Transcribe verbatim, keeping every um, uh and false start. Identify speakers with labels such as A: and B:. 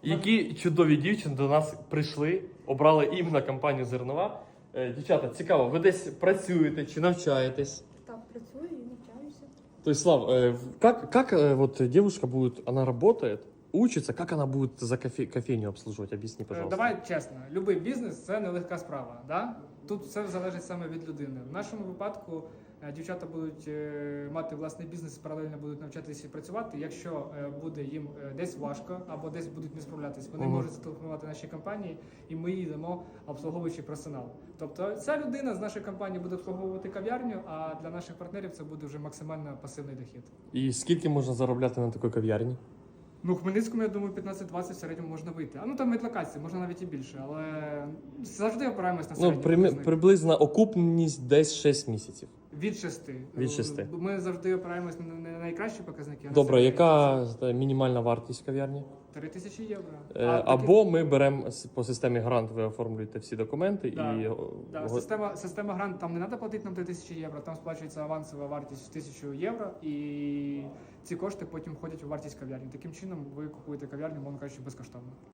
A: Які чудові дівчини до нас прийшли, обрали іменно компанію Зернова. Е, Дівчата, цікаво, ви десь працюєте чи навчаєтесь?
B: Так, працюю і навчаюся.
A: То есть, Слав, э, как, как э, вот девушка будет, она работает, учится, как она будет за кофе, кофейню обслуживать? Объясни, пожалуйста.
C: Давай чесно, будь-який бізнес це нелегка справа. Да? Тут все залежить саме від людини. В нашому випадку е, дівчата будуть е, мати власний бізнес, паралельно будуть навчатися і працювати. Якщо е, буде їм е, десь важко або десь будуть не справлятися, вони
A: Мгм.
C: можуть зателефонувати нашій компанії, і ми їй дамо обслуговуючий персонал. Тобто ця людина з нашої компанії буде обслуговувати кав'ярню, а для наших партнерів це буде вже максимально пасивний дохід.
A: І скільки можна заробляти на такій кав'ярні?
C: Ну, в Хмельницькому, я думаю, п'ятнадцять-двадцять в середньому можна вийти. А ну там від локації, можна навіть і більше, але завжди опираємось на
A: Ну,
C: середній
A: при,
C: показник.
A: приблизно окупність десь шість місяців.
C: Від шести.
A: Від шести.
C: Ми завжди опираємось на на найкращі показники. а на
A: Добре,
C: середні
A: яка е, мінімальна вартість кав'ярні?
C: три тисячі євро.
A: Е,
C: А, такі-
A: Або ми беремо с- по системі грант, ви оформлюєте всі документи
C: Да,
A: і...
C: Да,
A: го-
C: система, система грант, там не треба платити нам три тисячі євро, там сплачується авансова вартість в тисячу євро, і ці кошти потім входять у вартість кав'ярні. Таким чином ви купуєте кав'ярню, мовно кажучи, безкоштовно.